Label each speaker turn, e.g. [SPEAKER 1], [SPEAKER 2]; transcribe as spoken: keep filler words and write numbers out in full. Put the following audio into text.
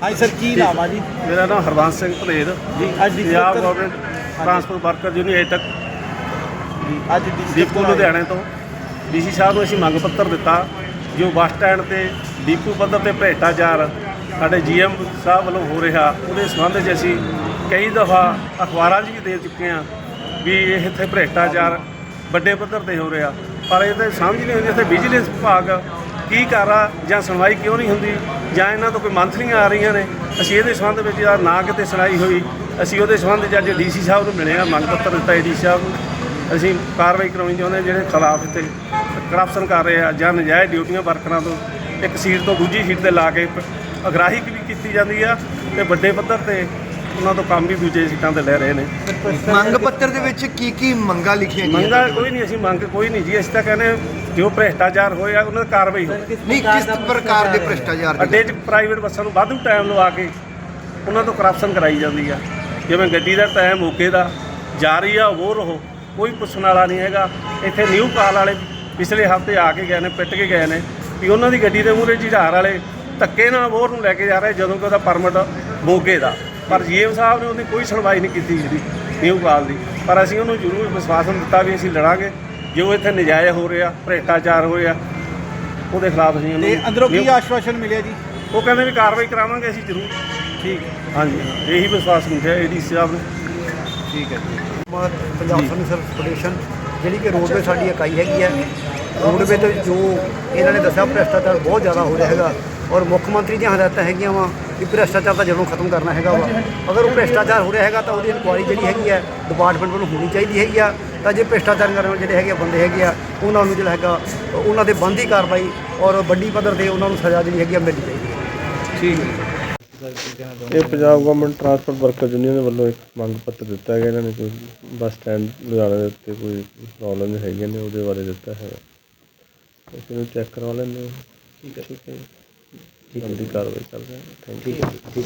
[SPEAKER 1] ਹਾਂਜੀ ਸਰ, ਕੀ ਨਾਮ ਆ ਜੀ?
[SPEAKER 2] ਮੇਰਾ ਨਾਮ ਹਰਬੰਸ ਸਿੰਘ ਭਲੇਰ
[SPEAKER 1] ਜੀ ਅੱਜ the
[SPEAKER 2] Punjab government transport worker union AITUC
[SPEAKER 1] ji ਅੱਜ ਡੀ
[SPEAKER 2] ਡੀਪੂ ਲੁਧਿਆਣੇ ਤੋਂ ਡੀ ਸੀ ਸਾਹਿਬ ਨੂੰ ਅਸੀਂ ਮੰਗ ਪੱਤਰ ਦਿੱਤਾ ਜੋ ਬੱਸ ਸਟੈਂਡ ਤੇ ਡੀਪੂ ਪੱਧਰ ਤੇ ਭ੍ਰਿਸ਼ਟਾਚਾਰ ਸਾਡੇ ਜੀ ਐਮ ਸਾਹਿਬ ਵੱਲੋਂ ਹੋ ਰਿਹਾ, ਉਹਦੇ ਸੰਬੰਧ 'ਚ ਅਸੀਂ ਕਈ ਦਫਾ ਅਖਬਾਰਾਂ 'ਚ ਵੀ ਦੇ ਚੁੱਕੇ ਹਾਂ ਵੀ ਇਹ ਇੱਥੇ ਭ੍ਰਿਸ਼ਟਾਚਾਰ ਵੱਡੇ ਪੱਧਰ ਤੇ ਹੋ ਰਿਹਾ, ਪਰ ਇਹ ਤਾਂ ਸਮਝ ਨਹੀਂ ਆਉਂਦੀ ਇੱਥੇ ਵਿਜੀਲੈਂਸ ਵਿਭਾਗ ਕੀ ਕਰ ਰਿਹਾ ਜਾਂ ਸੁਣਵਾਈ ਕਿਉਂ ਨਹੀਂ ਹੁੰਦੀ ਜਾਂ ਇਹਨਾਂ ਤੋਂ ਕੋਈ ਮੰਥਲੀਆਂ ਆ ਰਹੀਆਂ ਨੇ। ਅਸੀਂ ਇਹਦੇ ਸੰਬੰਧ ਵਿੱਚ ਯਾਰ ਨਾ ਕਿਤੇ ਸੁਣਾਈ ਹੋਈ, ਅਸੀਂ ਉਹਦੇ ਸੰਬੰਧ 'ਚ ਅੱਜ ਡੀ ਸੀ ਸਾਹਿਬ ਨੂੰ ਮਿਲੇ ਹਾਂ, ਮੰਗ ਪੱਤਰ ਦਿੱਤਾ ਏ ਡੀ ਸੀ ਸਾਹਿਬ ਨੂੰ। ਅਸੀਂ ਕਾਰਵਾਈ ਕਰਾਉਣੀ ਚਾਹੁੰਦੇ ਹਾਂ ਜਿਹੜੇ ਖਿਲਾਫ ਇੱਥੇ ਕਰਪਸ਼ਨ ਕਰ ਰਹੇ ਆ ਜਾਂ ਨਜਾਇਜ਼ ਡਿਊਟੀਆਂ ਵਰਕਰਾਂ ਤੋਂ ਇੱਕ ਸੀਟ ਤੋਂ ਦੂਜੀ ਸੀਟ 'ਤੇ ਲਾ ਕੇ ਅਗਰਾਹੀ ਵੀ ਕੀਤੀ ਜਾਂਦੀ ਆ ਅਤੇ ਵੱਡੇ ਪੱਧਰ 'ਤੇ ਉਹਨਾਂ ਤੋਂ ਕੰਮ ਵੀ ਦੂਜੇ ਸੀਟਾਂ 'ਤੇ ਲੈ ਰਹੇ ਨੇ।
[SPEAKER 3] ਮੰਗ ਪੱਤਰ ਦੇ ਵਿੱਚ ਕੀ ਕੀ ਮੰਗਾਂ ਲਿਖੀਆਂ ਗਈਆਂ?
[SPEAKER 2] ਮੰਗਾਂ ਕੋਈ ਨਹੀਂ, ਅਸੀਂ ਮੰਗ ਕੋਈ ਨਹੀਂ ਜੀ, ਅਸੀਂ ਤਾਂ ਕਹਿੰਦੇ ਜੋ ਭ੍ਰਿਸ਼ਟਾਚਾਰ ਹੋਇਆ ਉਹਨਾਂ ਦੀ ਕਾਰਵਾਈ ਹੋਵੇ।
[SPEAKER 3] ਨਹੀਂ, ਕਿਸ ਪ੍ਰਕਾਰ ਦੇ ਭ੍ਰਿਸ਼ਟਾਚਾਰ ਦੀ?
[SPEAKER 2] ਅੱਡੇ 'ਚ ਪ੍ਰਾਈਵੇਟ ਬੱਸਾਂ ਨੂੰ ਵਾਧੂ ਟਾਈਮ ਲਵਾ ਕੇ ਉਹਨਾਂ ਤੋਂ ਕਰਪਸ਼ਨ ਕਰਾਈ ਜਾਂਦੀ ਆ, ਜਿਵੇਂ ਗੱਡੀ ਦਾ ਟਾਈਮ ਮੌਕੇ ਦਾ ਜਾ ਰਹੀ ਆ ਉਹ ਰਹੋ, ਕੋਈ ਪੁੱਛਣ ਵਾਲਾ ਨਹੀਂ ਹੈਗਾ। ਇੱਥੇ ਨਿਊ ਕਾਲ ਵਾਲੇ ਪਿਛਲੇ ਹਫ਼ਤੇ ਆ ਕੇ ਗਏ ਨੇ, ਪਿੱਟ ਕੇ ਗਏ ਨੇ ਵੀ ਉਹਨਾਂ ਦੀ ਗੱਡੀ ਦੇ ਮੂਹਰੇ ਝਿੜਾਰ ਵਾਲੇ ਧੱਕੇ ਨਾਲ ਵੋਰ ਨੂੰ ਲੈ ਕੇ ਜਾ ਰਹੇ ਜਦੋਂ ਕਿ ਉਹਦਾ ਪਰਮਿਟ ਮੋਗੇ ਦਾ, ਪਰ ਜੀ ਐਮ ਸਾਹਿਬ ਨੇ ਉਹਦੀ ਕੋਈ ਸੁਣਵਾਈ ਨਹੀਂ ਕੀਤੀ ਜਿਹੜੀ ਨਿਊ ਕਾਲ ਦੀ। ਪਰ ਅਸੀਂ ਉਹਨੂੰ ਜ਼ਰੂਰ ਵਿਸ਼ਵਾਸਨ ਦਿੱਤਾ ਵੀ ਅਸੀਂ ਲੜਾਂਗੇ, ਜੋ ਇੱਥੇ ਨਜਾਇਜ਼ ਹੋ ਰਿਹਾ ਭ੍ਰਿਸ਼ਟਾਚਾਰ ਹੋਇਆ ਉਹਦੇ ਖਿਲਾਫ ਅਸੀਂ
[SPEAKER 1] ਤੇ ਅੰਦਰੋਂ ਕੀ ਆਸ਼ਵਾਸਨ ਮਿਲਿਆ ਜੀ?
[SPEAKER 2] ਉਹ ਕਹਿੰਦੇ ਵੀ ਕਾਰਵਾਈ ਕਰਾਵਾਂਗੇ ਅਸੀਂ ਜ਼ਰੂਰ।
[SPEAKER 1] ਠੀਕ
[SPEAKER 2] ਹਾਂਜੀ, ਇਹੀ ਵਿਸ਼ਵਾਸ ਮਿਲਿਆ ਏ ਡੀ ਸੀ ਸਾਹਿਬ ਨੇ।
[SPEAKER 1] ਠੀਕ ਹੈ ਜੀ।
[SPEAKER 3] ਪੰਜਾਬ ਸਰਵਿਸ ਫੈਡਰੇਸ਼ਨ ਜਿਹੜੀ ਕਿ ਰੋਡਵੇ ਸਾਡੀ ਇਕਾਈ ਹੈਗੀ ਹੈ, ਰੋਡਵੇ ਤੇ ਜੋ ਇਹਨਾਂ ਨੇ ਦੱਸਿਆ ਭ੍ਰਿਸ਼ਟਾਚਾਰ ਬਹੁਤ ਜ਼ਿਆਦਾ ਹੋ ਰਿਹਾ ਹੈਗਾ ਔਰ ਮੁੱਖ ਮੰਤਰੀ ਦੀਆਂ ਹਦਾਇਤਾਂ ਹੈਗੀਆਂ ਵਾ ਕਿ ਭ੍ਰਿਸ਼ਟਾਚਾਰ ਦਾ ਜੜੋਂ ਖਤਮ ਕਰਨਾ ਹੈਗਾ ਵਾ। ਅਗਰ ਉਹ ਭ੍ਰਿਸ਼ਟਾਚਾਰ ਹੋ ਰਿਹਾ ਹੈਗਾ ਤਾਂ ਉਹਦੀ ਇਨਕੁਆਇਰੀ ਜਿਹੜੀ ਹੈਗੀ ਹੈ ਡਿਪਾਰਟਮੈਂਟ ਵੱਲੋਂ ਹੋਣੀ ਚਾਹੀਦੀ ਹੈਗੀ ਆ, ਤਾਂ ਜੇ ਭ੍ਰਿਸ਼ਟਾਚਾਰ ਕਰਨ ਵਾਲੇ ਜਿਹੜੇ ਹੈਗੇ ਬੰਦੇ ਹੈਗੇ ਆ ਉਹਨਾਂ ਨੂੰ ਜਿਹੜਾ ਹੈਗਾ ਉਹਨਾਂ ਦੇ ਬਣਦੀ ਕਾਰਵਾਈ ਔਰ ਵੱਡੀ ਪੱਧਰ 'ਤੇ ਉਹਨਾਂ ਨੂੰ ਸਜ਼ਾ ਜਿਹੜੀ ਹੈਗੀ ਆ ਮਿਲਣੀ ਚਾਹੀਦੀ ਹੈ।
[SPEAKER 1] ਠੀਕ ਹੈ।
[SPEAKER 4] ਇਹ Punjab government transport worker union ਦੇ ਵੱਲੋਂ ਇੱਕ ਮੰਗ ਪੱਤਰ ਦਿੱਤਾ ਗਿਆ। ਇਹਨਾਂ ਨੇ ਕੋਈ ਬੱਸ ਸਟੈਂਡ ਲੁਧਿਆਣਾ ਦੇ ਉੱਤੇ ਕੋਈ ਪ੍ਰੋਬਲਮ ਹੈਗੀਆਂ ਨੇ ਉਹਦੇ ਬਾਰੇ ਦਿੱਤਾ ਹੈਗਾ, ਅਸੀਂ ਇਹਨੂੰ ਚੈੱਕ ਕਰਵਾ ਲੈਂਦੇ ਹਾਂ। ਠੀਕ ਹੈ, ਠੀਕ ਹੈ, ਜਲਦੀ ਕਾਰਵਾਈ ਕਰਦੇ ਹਾਂ। Thank you.